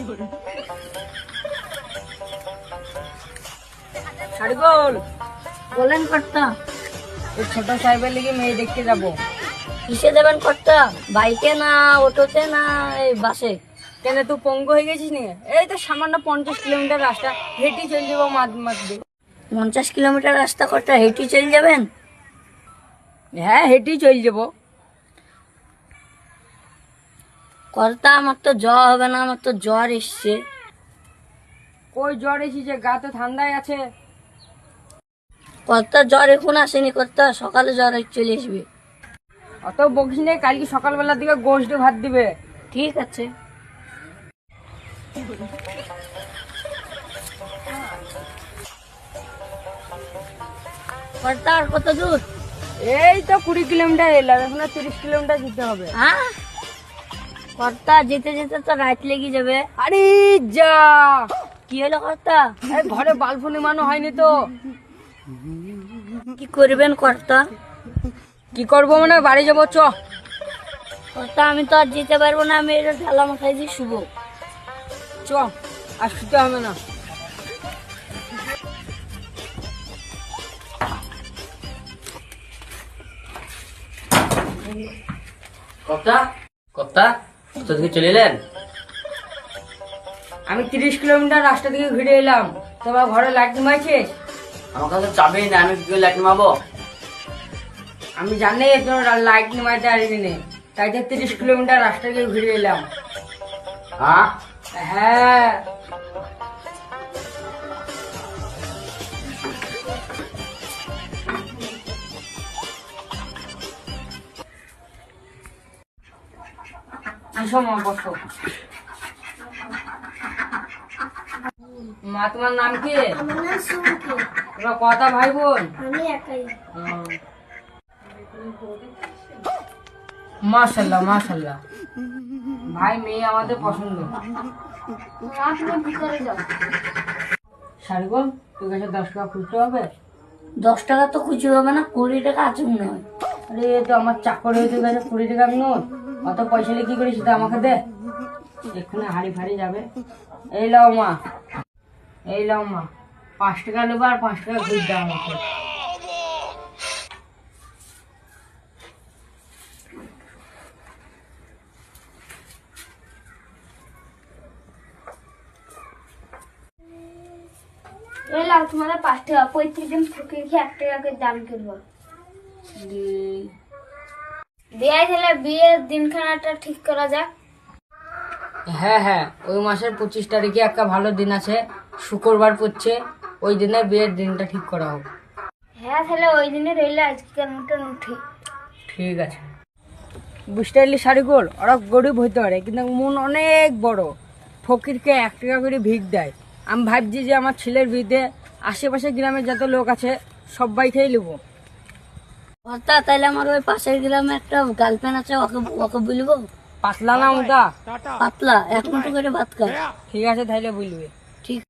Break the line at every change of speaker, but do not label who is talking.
সারিগোল,
বলেন কর্তা।
এই ছোট সাহেবের লিগে মেয়ে দেখতে যাবো।
কিসে দেবেন কর্তা? বাইকে না অটোতে না এই বাসে?
কেন তুই পঙ্গু হয়ে গেছিস নি? এই তো সামান্য 50 কিলোমিটার রাস্তা হেঁটে চলে যাবো মাঝে।
50 কিলোমিটার রাস্তা কর্তা হেঁটে চলে যাবেন?
হ্যাঁ, হেঁটেই চলে যাবো।
কর্তা আমার তো জ্বর হবে না, আমার তো জ্বর এসছে।
কই জ্বর এসেছে? গা তো ঠান্ডায় আছে।
কর্তা জ্বর এখন আসেনি কর্তা, সকালে জ্বর চলে আসবে।
অত বকিস নে, কালকে সকালবেলার দিকে গোশ দিয়ে ভাত দিবে।
ঠিক আছে। কর্তা আর কত দূর?
এই তো 20 কিলোমিটার এলাম, এখন 30 কিলোমিটার যেতে হবে।
হ্যাঁ কর্তা, যেতে যেতে তো রাত লেগে যাবে।
আরে যা,
কি হলো কর্তা?
এই ঘরে বাল্ব নিমানো হয়নি তো।
কি করবেন কর্তা?
কি করবো মানে বাড়ি যাবো, চ।
কর্তা আমি তো আর যেতে পারবো না, আমি এটা ঢালা মাথায় দিয়ে শুবো।
চ, আর শুতে হবে না।
কর্তা, কর্তা, কোথা থেকে চলে এলেন?
আমি 30 কিলোমিটার রাস্তা থেকে ঘুরে এলাম। তোমার ঘরে লাইট নিমাইছিস?
আমার কাছে চাবি না, আমি কি করে লাইট মারবো?
আমি জানি তোর লাইট নিমাইতে পারিনি নে, তাই তো 30 কিলোমিটার রাস্তা থেকে ঘুরে এলাম।
হ্যাঁ,
হ্যাঁ, আসো মা, বসো। মা, তোমার নাম কি? তোমরা কটা ভাই বোন?
আমি একাই।
মাশাল্লাহ মাশাল্লাহ, ভাই মেয়ে আমাদের পছন্দ। সারগোল, তোর কাছে 10 টাকা খুঁজতে হবে।
10 টাকা তো খুঁজে হবে না, 20 টাকা আছে মনে হয়।
আরে এ তো আমার চাকর হয়ে, তোর কাছে 20 টাকা নোট। অত পয়সা নিয়ে কি করিস? সেটা আমাকে দে, এক্ষুনি হাড়ি ফাড়ি যাবে। এই লাও মা, এই লাও মা, 5 টাকা নেবো আর 5 টাকা ঘুষ দাও আমাকে।
এলাম তোমাদের 5 টাকা, 35 দিন ফুকে খেয়ে 1 টাকা করে দাম করবো। বিয়ে তাহলে বিয়ের দিনখানাটা ঠিক করা যাক।
হ্যাঁ হ্যাঁ, ওই মাসের 25 তারিখে একটা ভালো দিন আছে, শুক্রবার পড়ছে। ওই দিনে বিয়ের দিনটা ঠিক করা হোক।
হ্যাঁ তাহলে ওই দিনে রইলে আজকের মতন উঠি।
ঠিক আছে। বুঝতে পারলি সারিগোল, ওরা গরিব হইতে পারে কিন্তু মন অনেক বড়। ফকিরকে 1 টাকা করে ভিক দেয়। আমি ভাবছি যে আমার ছেলের বিয়েতে আশেপাশে গ্রামের যত লোক আছে সবাইকেই নেবো।
কর্তা তাহলে আমার ওই পাশের গ্রামে একটা গার্লফ্রেন্ড আছে, ওকে ওকে বলবো।
পাতলা না মোটা?
পাতলা, 1 মুঠো করে ভাত খায়।
ঠিক আছে, তাইলে বলবে।